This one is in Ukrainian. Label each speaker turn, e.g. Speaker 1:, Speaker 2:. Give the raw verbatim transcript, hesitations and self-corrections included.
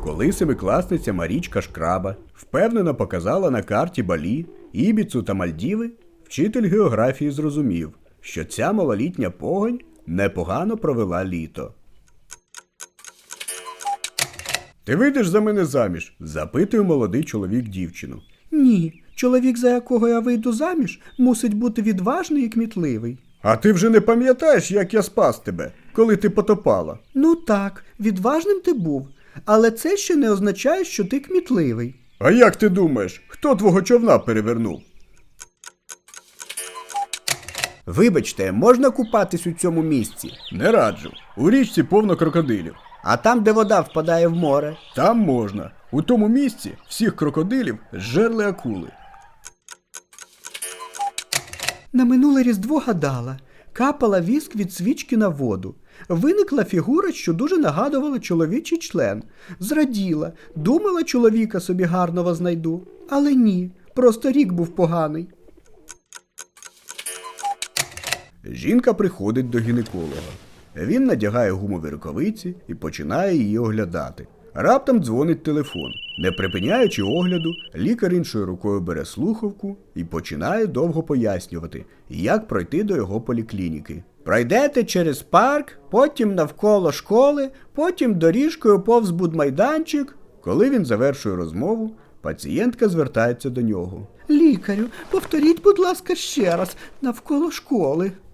Speaker 1: Коли семикласниця Марічка Шкраба впевнено показала на карті Балі, Ібіцу та Мальдіви, вчитель географії зрозумів, що ця малолітня погонь непогано провела літо. «Ти вийдеш за мене заміж?» – запитує молодий чоловік дівчину.
Speaker 2: Ні, чоловік, за якого я вийду заміж, мусить бути відважний і кмітливий.
Speaker 1: «А ти вже не пам'ятаєш, як я спас тебе, коли ти потопала?»
Speaker 2: Ну так, відважним ти був, але це ще не означає, що ти кмітливий.
Speaker 1: «А як ти думаєш, хто твого човна перевернув?»
Speaker 2: Вибачте, можна купатись у цьому місці?
Speaker 1: «Не раджу. У річці повно крокодилів.
Speaker 2: А там, де вода впадає в море?
Speaker 1: Там можна. У тому місці всіх крокодилів зжерли акули».
Speaker 2: На минуле Різдво гадала, капала віск від свічки на воду. Виникла фігура, що дуже нагадувала чоловічий член. Зраділа, думала, чоловіка собі гарного знайду. Але ні, просто рік був поганий.
Speaker 1: Жінка приходить до гінеколога. Він надягає гумові рукавиці і починає її оглядати. Раптом дзвонить телефон. Не припиняючи огляду, лікар іншою рукою бере слухавку і починає довго пояснювати, як пройти до його поліклініки. Пройдете через парк, потім навколо школи, потім доріжкою повз будмайданчик. Коли він завершує розмову, пацієнтка звертається до нього.
Speaker 2: Лікарю, повторіть, будь ласка, ще раз, навколо школи.